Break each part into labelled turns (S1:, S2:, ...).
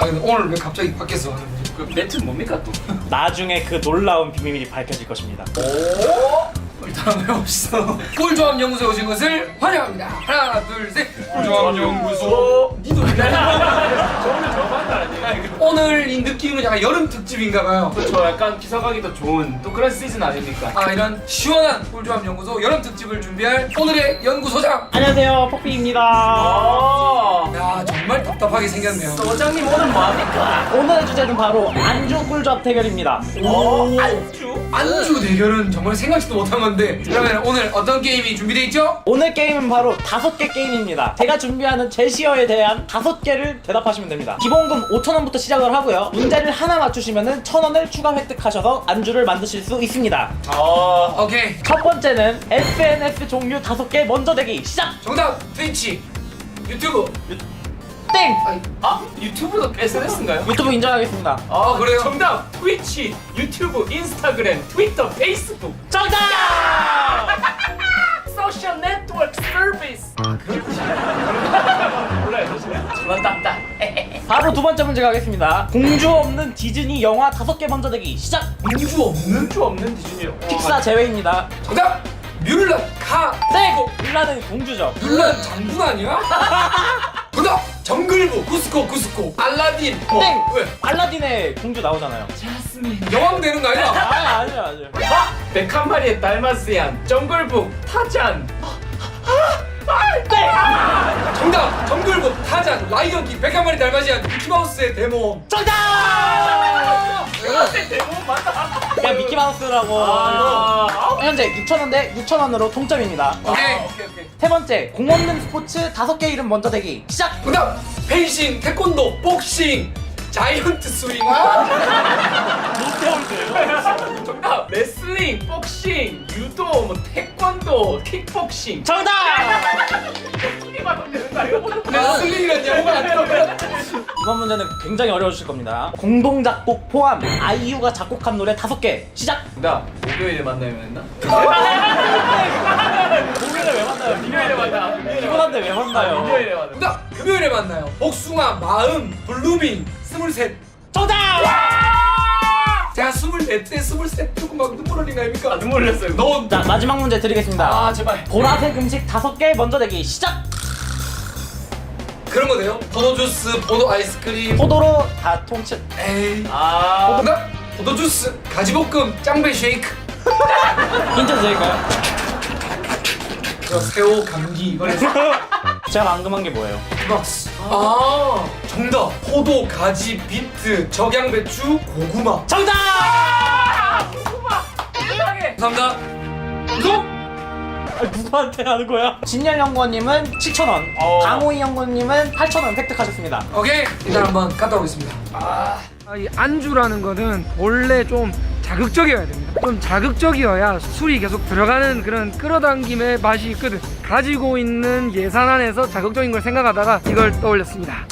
S1: 아 근데 오늘 왜 갑자기 밖에서 하는 거지?
S2: 그 멘트 뭡니까 또?
S3: 나중에 그 놀라운 비밀이 밝혀질 것입니다.
S1: 오? 일단 한번 해봅시다. 꿀조합 연구소에 오신 것을 환영합니다. 하나 둘셋 꿀조합 연구소. 니도 왜
S2: 저는 저만 아니에요.
S1: 오늘 이 느낌은 약간 여름 특집인가봐요.
S2: 그렇죠. 약간 기사 가기도 좋은 또 그런 시즌 아닙니까?
S1: 아 이런 시원한 꿀조합 연구소 여름 특집을 준비할 오늘의 연구소장.
S3: 안녕하세요, 퍼피입니다.
S2: 아,
S1: 야 정말 답답하게 생겼네요.
S2: 소장님 오늘 뭐합니까?
S3: 오늘의 주제는 바로 안주 꿀조합 대결입니다.
S2: 안주?
S1: 안주 대결은 정말 생각지도 못한 건데 그러면 오늘 어떤 게임이 준비되어 있죠?
S3: 오늘 게임은 바로 5개 게임입니다. 제가 준비하는 제시어에 대한 5개를 대답하시면 됩니다. 기본금 5,000원부터 시작을 하고요. 문제를 하나 맞추시면 1,000원을 추가 획득하셔서 안주를 만드실 수 있습니다.
S1: 오케이
S3: 첫 번째는 SNS 종류 5개 먼저 대기 시작!
S1: 정답 트위치 유튜브
S3: 땡!
S2: 아, 유튜브도 SNS인가요?
S3: 유튜브 인정하겠습니다.
S1: 아, 그래요?
S2: 정답! 트위치, 유튜브, 인스타그램, 트위터, 페이스북.
S3: 정답!
S2: 소셜 네트워크 서비스. 몰라요, 사실은. 저만 딱딱.
S3: 바로 두 번째 문제 가겠습니다. 공주 없는 디즈니 영화 5개 먼저 대기 시작!
S1: 공주 없는?
S2: 공주 없는 디즈니요.
S3: 픽사 제외입니다.
S1: 정답 뮬란 카
S3: 땡! 뮬란은 공주죠.
S1: 뮬란 장군 아니야? 정답 정글부 쿠스코 알라딘
S3: 땡!
S1: 왜?
S3: 알라딘의 공주 나오잖아요.
S2: 자스민.
S1: 여왕 되는 거 아니야?
S3: 아니요.
S2: 아! 101마리의 달마스얀, 정글북, 타잔.
S1: 정답 정글부 타잔 라이언킹 101마리 달마지안 미키마우스의 데모
S3: 정답!
S2: 그런데 대부분 맞다.
S3: 그냥 미키마우스라고. 현재 6,000원 대 6,000원으로 동점입니다.
S1: 오케이
S3: 세 번째, 공 없는 스포츠 5개 이름 먼저 대기 시작!
S1: 정답 펜싱 태권도 복싱 자이언트 스윙
S2: 정답! 레슬링, 복싱, 유도, 뭐 태권도, 킥복싱.
S3: 정답!
S2: 둘이 맞으면 되는 거 아니야?
S1: 레슬링이란 영어가 안 들어가
S3: 이번 문제는 굉장히 어려우실 겁니다. 공동 작곡 포함 아이유가 작곡한 노래 5개 시작!
S2: 정답! 목요일에 만나면 했나?
S3: 목요일에 왜 만나요?
S2: 금요일에 만나.
S3: 피곤한데 왜 만나요?
S2: 금요일에 만나.
S1: 정답 금요일에 만나요 복숭아 마음 블루밍 23
S3: 정답!
S1: 제가 24때 23 조금 막 눈물 흘린 거 아닙니까?
S2: 눈물 흘렸어요.
S1: 너
S3: 자, 마지막 문제 드리겠습니다.
S1: 아 제발
S3: 보라색 음식 5개 먼저 대기 시작!
S1: 그런 거 돼요? 포도 주스, 포도 아이스크림
S3: 포도로 다 통치.
S1: 에이
S2: 아.
S1: 정답 포도 주스, 가지볶음, 짱배 쉐이크
S3: 힌트 드릴까요?
S1: 저 새우, 감기 이거 해서
S3: 제가 방금 한 게 뭐예요?
S1: 박스 아 정답 포도, 가지, 비트, 적양배추, 고구마
S3: 정답!
S2: 세상에.
S1: 감사합니다 우성
S3: 누구한테 하는 거야? 진열 연구원님은 7,000원, 강호이 연구원님은 8,000원 획득하셨습니다.
S1: 오케이 일단 한번 갔다 오겠습니다 이 안주라는 거는 원래 좀 자극적이어야 됩니다. 좀 자극적이어야 술이 계속 들어가는 그런 끌어당김의 맛이 있거든. 가지고 있는 예산 안에서 자극적인 걸 생각하다가 이걸 떠올렸습니다.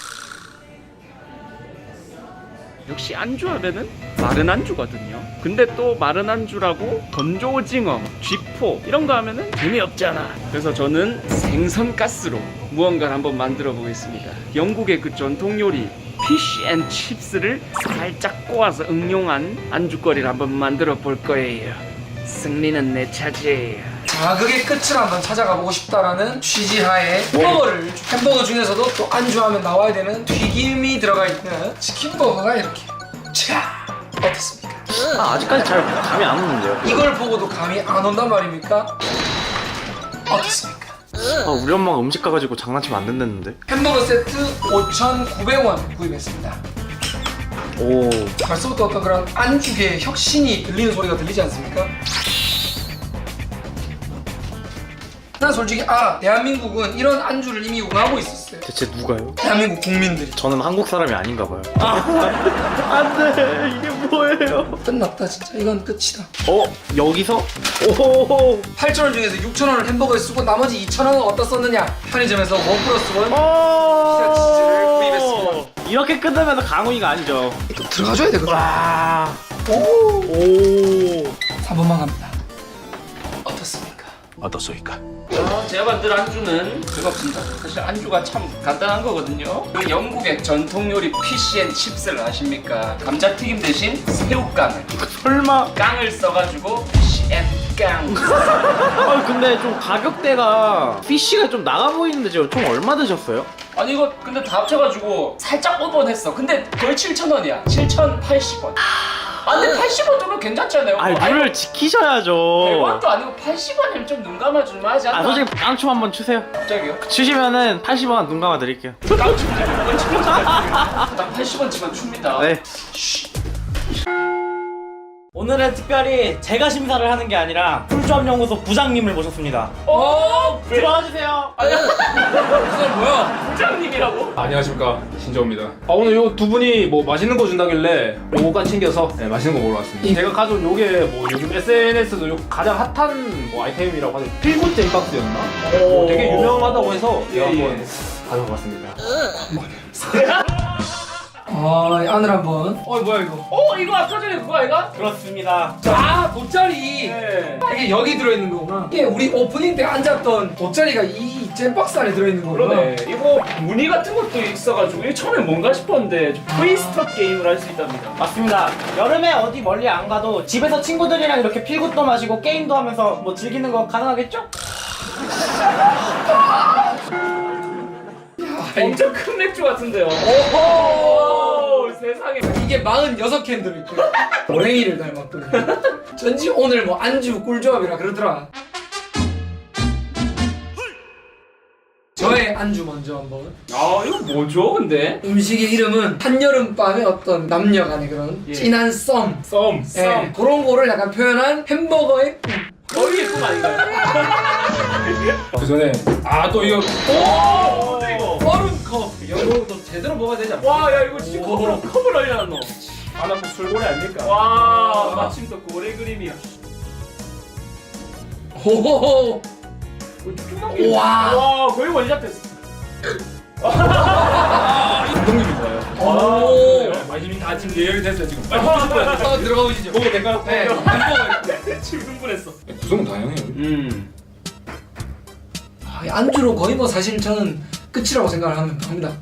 S4: 역시 안주하면은 마른 안주거든요. 근데 또 마른 안주라고 건조 오징어, 쥐포 이런 거 하면은 재미없잖아. 그래서 저는 생선 가스로 무언가를 한번 만들어 보겠습니다. 영국의 그 전통 요리 피쉬 앤 칩스를 살짝 꼬아서 응용한 안주거리를 한번 만들어 볼 거예요. 승리는 내 차지예요.
S1: 자극의 끝을 한번 찾아가 보고 싶다라는 취지하에 햄버거 중에서도 또 안주하면 나와야 되는 튀김이 들어가 있는 치킨버거가 이렇게 차 어떻습니까?
S3: 아직까지 잘 감이 안 오는데요.
S1: 이걸 보고도 감이 안 온단 말입니까? 어떻습니까?
S5: 우리 엄마가 음식 가가지고 장난치면 안 된다는데?
S1: 햄버거 세트 5,900원 구입했습니다.
S5: 오.
S1: 벌써부터 어떤 그런 안주계 혁신이 들리는 소리가 들리지 않습니까? 난 솔직히 대한민국은 이런 안주를 이미 운하고 있었어요.
S5: 대체 누가요?
S1: 대한민국 국민들이.
S5: 저는 한국 사람이 아닌가 봐요. 안돼, 이게 뭐예요?
S1: 끝났다 진짜. 이건 끝이다.
S5: 여기서? 오.
S1: 8,000원 중에서 6,000원을 햄버거에 쓰고 나머지 2,000원은 어디다 썼느냐? 편의점에서 1+1 피자 치즈를 구입했습니다.
S3: 이렇게 끝나면 강호이가 아니죠.
S1: 또 들어가줘야 되거든.
S3: 와.
S1: 오.
S3: 오.
S1: 4번만 갑니다. 어떻습니까?
S6: 어떻소이까?
S4: 제가 만든 안주는 그겁니다. 사실 안주가 참 간단한 거거든요. 그 영국의 전통 요리 피쉬앤칩스를 아십니까? 감자튀김 대신 새우깡을
S5: 설마.
S4: 깡을 써가지고 피쉬앤깡.
S5: 아 근데 좀 가격대가 피쉬가 좀 나가 보이는데 지금 총 얼마 드셨어요?
S4: 아니 이거 근데 다 합쳐가지고 살짝 오버했어. 근데 거의 7,000원이야. 7,080원. 아 근데 80원 정도 괜찮잖아요.
S5: 아니 룰을 지키셔야죠.
S4: 100원도 아니고 80원이면 좀 눈 감아줄만 하지 않나?
S5: 아 솔직히 깡춤 한번 추세요.
S4: 갑자기요?
S5: 추시면은 80원 눈 감아 드릴게요.
S4: 깡 춥지. 그건 7,000원짜리. 딱 80원치만 춥니다.
S5: 네.
S3: 오늘은 특별히 제가 심사를 하는 게 아니라 풀조합연구소 부장님을 모셨습니다. 들어와 주세요.
S2: 뭐야?
S4: 부장님이라고?
S7: 안녕하십니까, 신정우입니다. 오늘 요 두 분이 뭐 맛있는 거 준다길래 요거까지 챙겨서 맛있는 거 먹으러 왔습니다. 제가 가져온 요게 뭐 요즘 SNS도 요 가장 핫한 뭐 아이템이라고 하죠. 필구잼 박스였나? 되게 유명하다고 해서 제가 한번 가져와 봤습니다.
S1: 안을 한번. 뭐야 이거?
S4: 이거 아까 전에 그거 아이가?
S3: 그렇습니다.
S1: 돗자리.
S4: 네.
S1: 이게 여기 들어있는 거구나. 이게 우리 오프닝 때 앉았던 돗자리가 이 잼박스 안에 들어있는 거구나.
S4: 그러네. 이거 무늬 같은 것도 있어가지고 이게 처음에 뭔가 싶었는데 좀 트위스터 게임을 할 수 있답니다.
S3: 맞습니다. 여름에 어디 멀리 안 가도 집에서 친구들이랑 이렇게 필굿도 마시고 게임도 하면서 뭐 즐기는 거 가능하겠죠?
S4: 엄청 큰 맥주 같은데요. 오호 세상에.
S1: 이게 46캔 들어있고 고랭이를 닮았거든. 전지 오늘 뭐 안주 꿀조합이라 그러더라. 저의 안주 먼저 한번.
S4: 이거 뭐죠 근데?
S1: 음식의 이름은 한여름밤의 어떤 남녀 간의 그런
S4: 예.
S1: 진한 썸.
S7: 썸.
S1: 예, 그런 거를 약간 표현한 햄버거의 꿈.
S4: 거기에 꿈 아닌가요?
S7: 그 전에 또 이거
S4: 뭔데 이거?
S1: 얼음 컵. 이거 또 제대로 먹어야 되지 않나?
S4: 와 야 이거 진짜 컵을 알려놨노.
S7: 하나 또 술고래 아닙니까?
S4: 와 마침 또 고래 그림이야.
S1: 호호호. 와.
S4: 거의 원샷 됐어.
S7: 감독님이 좋아요.
S1: 오.
S7: 많이 다 지금 예약이 됐어요 지금. 빨리 드실 거예요.
S1: 들어가 보시죠.
S7: 먹어도 될까요?
S1: 네. 햄버거.
S4: 지금 흥분했어.
S7: 구성은 다양해요.
S1: 안주로 거의 뭐 사실 저는 끝이라고 생각을 합니다.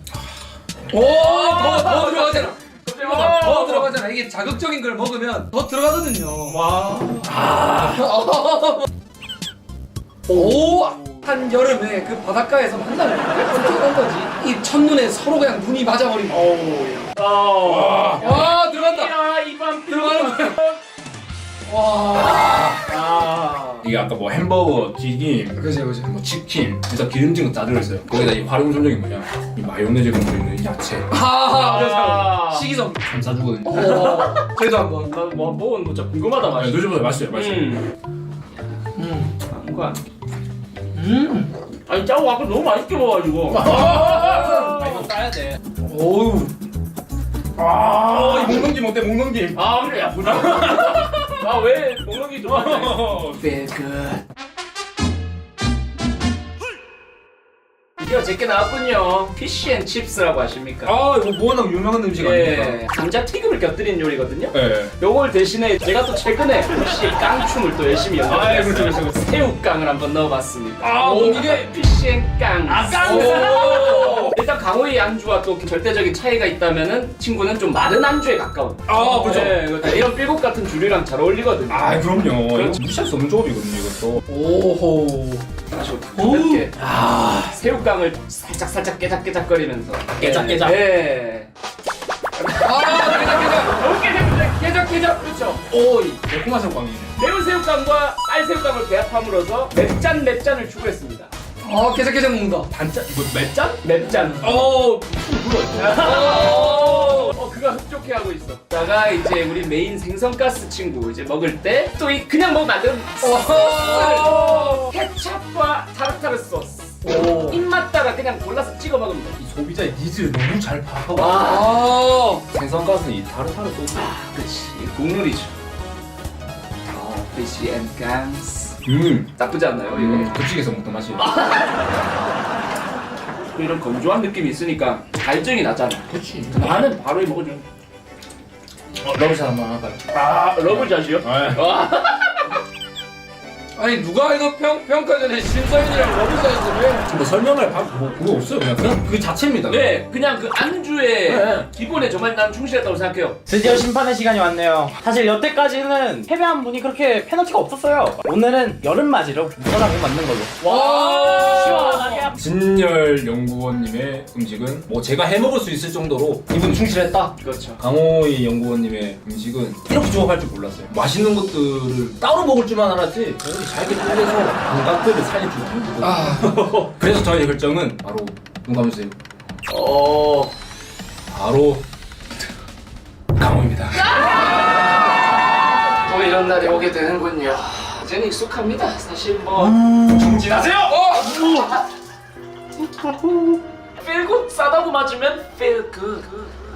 S1: 더 들어가잖아. 더 들어가잖아. 이게 자극적인 걸 먹으면 더 들어가거든요.
S4: 와.
S1: 오! 한 여름에 그 바닷가에서 만나는 건 거지. 이 첫눈에 서로 그냥 눈이 맞아버리고. 와, 들어간다.
S4: 야 이밤
S1: 들어가는 거야. 와.
S7: 이게 아까 뭐 햄버거, 튀김,
S1: 그지.
S7: 뭐 치킨, 일단 기름진 거 다 들어있어요. 거기다 이 활용 점정이 뭐냐? 이 마요네즈가 들어있는 야채.
S1: 그래서 식이섬.
S7: 참 사주거든요.
S1: 저희도 한번.
S4: 나뭐 먹은 거 진짜 궁금하다 맛이.
S7: 드셔보세요. 맛있어요, 맛있어요.
S4: 뭔가. 아니 짜고 아까 너무 맛있게 먹어가지고.
S7: 이거 까야 돼.
S1: 오우.
S7: 이 목넘김 어때? 목넘김.
S4: 그래 야 부담. 왜 먹는 좋아하냐?
S1: Feel good.
S4: 드디어 제게 나왔군요. 피쉬앤칩스라고 아십니까?
S7: 이거 워낙 유명한 음식 아닙니까?
S4: 예, 감자튀김을 곁들인 요리거든요.
S7: 네.
S4: 요걸 대신에 제가 또 최근에 피쉬 깡춤을 또 열심히 연습했어요.
S7: 그렇죠.
S4: 새우깡을 한번 넣어봤습니다.
S7: 이게
S4: 피쉬앤깡.
S1: 오.
S4: 일단 강호의 안주와 또 절대적인 차이가 있다면은 친구는 좀 마른 안주에 가까운.
S7: 그렇죠.
S4: 네, 이런 삘국 같은 주류랑 잘 어울리거든요.
S7: 그럼요.
S4: 그렇죠.
S7: 이거 무시할 수 없는 조합이거든요, 이것도.
S1: 오호.
S4: 다시 가볍게 새우깡을 살짝 깨작깨작거리면서
S3: 깨작깨작.
S4: 네. 깨작 그렇죠.
S7: 오이 매콤한 새우깡이네.
S4: 매운 새우깡과 쌀 새우깡을 배합함으로써 맵짠을 추구했습니다.
S1: 깨작깨작 먹는다.
S4: 단짠 이거 맵짠? 맵짠. 그가 흡족해하고 있어. 다가 이제 우리 메인 생선가스 친구 이제 먹을 때 또 이 그냥 먹으면 안 되는 소스를 케찹과 타르타르 소스. 입맛 따라 그냥 골라서 찍어 먹으면 돼.
S7: 이 소비자의 니즈를 너무 잘 파악하고
S4: 와.
S7: 생선가스는 이 타르타르 소스.
S4: 그치 국룰이죠. 피쉬 앤 깡스. 나쁘지 않나요 이거?
S7: 급식에서 먹던 맛이.
S4: 이런 건조한 느낌이 있으니까 갈증이 나잖아.
S7: 그렇지.
S4: 나는 바로 먹어줘.
S7: 러브샷 한번 할까요?
S4: 러브샷이요?
S7: 네.
S6: 아니 누가 이거 평가 전에 심사위원이랑 러브사에서 왜?
S7: 뭐 설명할 뭐 그거 없어요. 그냥 그 자체입니다.
S4: 네, 그냥 그 안주의
S7: 네.
S4: 기본에 정말 난 충실했다고 생각해요.
S3: 드디어 심판의 시간이 왔네요. 사실 여태까지는 패배한 분이 그렇게 페널티가 없었어요. 오늘은 여름맞이로 무난하게 맞는 걸로.
S4: 와,
S3: 시원하게.
S7: 진열 연구원님의 음식은 뭐 제가 해먹을 수 있을 정도로 이분 충실했다.
S4: 그렇죠.
S7: 강호희 연구원님의 음식은 이렇게 조합할 줄 몰랐어요. 맛있는 것들을 따로 먹을 줄만 알았지 이렇게 잘게 쪼개서 감각들을 살릴 줄 모르거든요. 그래서 저희의 결정은 바로 눈 감으세요. 바로 강호입니다.
S4: 또 이런 날이 오게 되는군요. 이제는 익숙합니다. 사실 뭐 정진하세요. 필굿 싸다고 맞으면 필굿.